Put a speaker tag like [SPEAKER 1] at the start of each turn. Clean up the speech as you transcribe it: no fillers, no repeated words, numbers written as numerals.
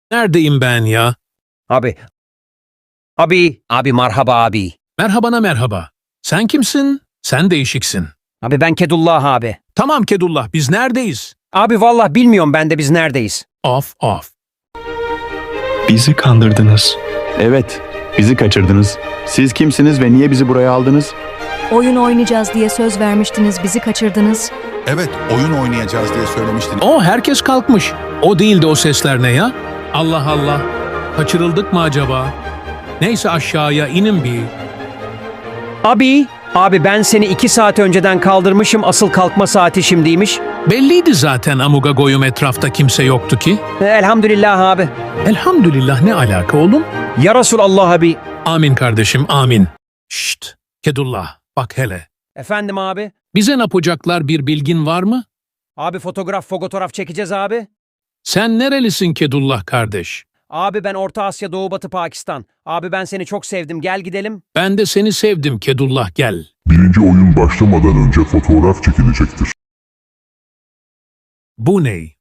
[SPEAKER 1] Neredeyim ben ya?
[SPEAKER 2] Abi. Abi merhaba abi.
[SPEAKER 1] Merhabana merhaba. Sen kimsin? Sen değişiksin.
[SPEAKER 2] Abi ben Kedullah abi.
[SPEAKER 1] Tamam Kedullah, biz neredeyiz?
[SPEAKER 2] Abi vallahi bilmiyorum ben de biz neredeyiz.
[SPEAKER 1] Of.
[SPEAKER 3] Bizi kandırdınız.
[SPEAKER 4] Evet, bizi kaçırdınız. Siz kimsiniz ve niye bizi buraya aldınız?
[SPEAKER 5] Oyun oynayacağız diye söz vermiştiniz, bizi kaçırdınız.
[SPEAKER 6] Evet, oyun oynayacağız diye söylemiştin.
[SPEAKER 1] Herkes kalkmış. O değildi, o sesler ne ya? Allah Allah. Kaçırıldık mı acaba? Neyse aşağıya inin bir.
[SPEAKER 2] Abi ben seni 2 saat önceden kaldırmışım, asıl kalkma saati şimdiymiş.
[SPEAKER 1] Belliydi zaten Amuga Goyum, etrafta kimse yoktu ki.
[SPEAKER 2] Elhamdülillah abi.
[SPEAKER 1] Elhamdülillah, ne alaka oğlum?
[SPEAKER 2] Ya Resulallah abi.
[SPEAKER 1] Amin kardeşim, amin. Şşt, Kedullah, bak hele.
[SPEAKER 2] Efendim abi.
[SPEAKER 1] Bize ne yapacaklar, bir bilgin var mı?
[SPEAKER 2] Abi fotoğraf çekeceğiz abi.
[SPEAKER 1] Sen nerelisin Kedullah kardeş?
[SPEAKER 2] Abi ben Orta Asya, Doğu Batı Pakistan. Abi ben seni çok sevdim, gel gidelim.
[SPEAKER 1] Ben de seni sevdim Kedullah, gel.
[SPEAKER 7] Birinci oyun başlamadan önce fotoğraf çekilecektir.
[SPEAKER 1] Bu ne?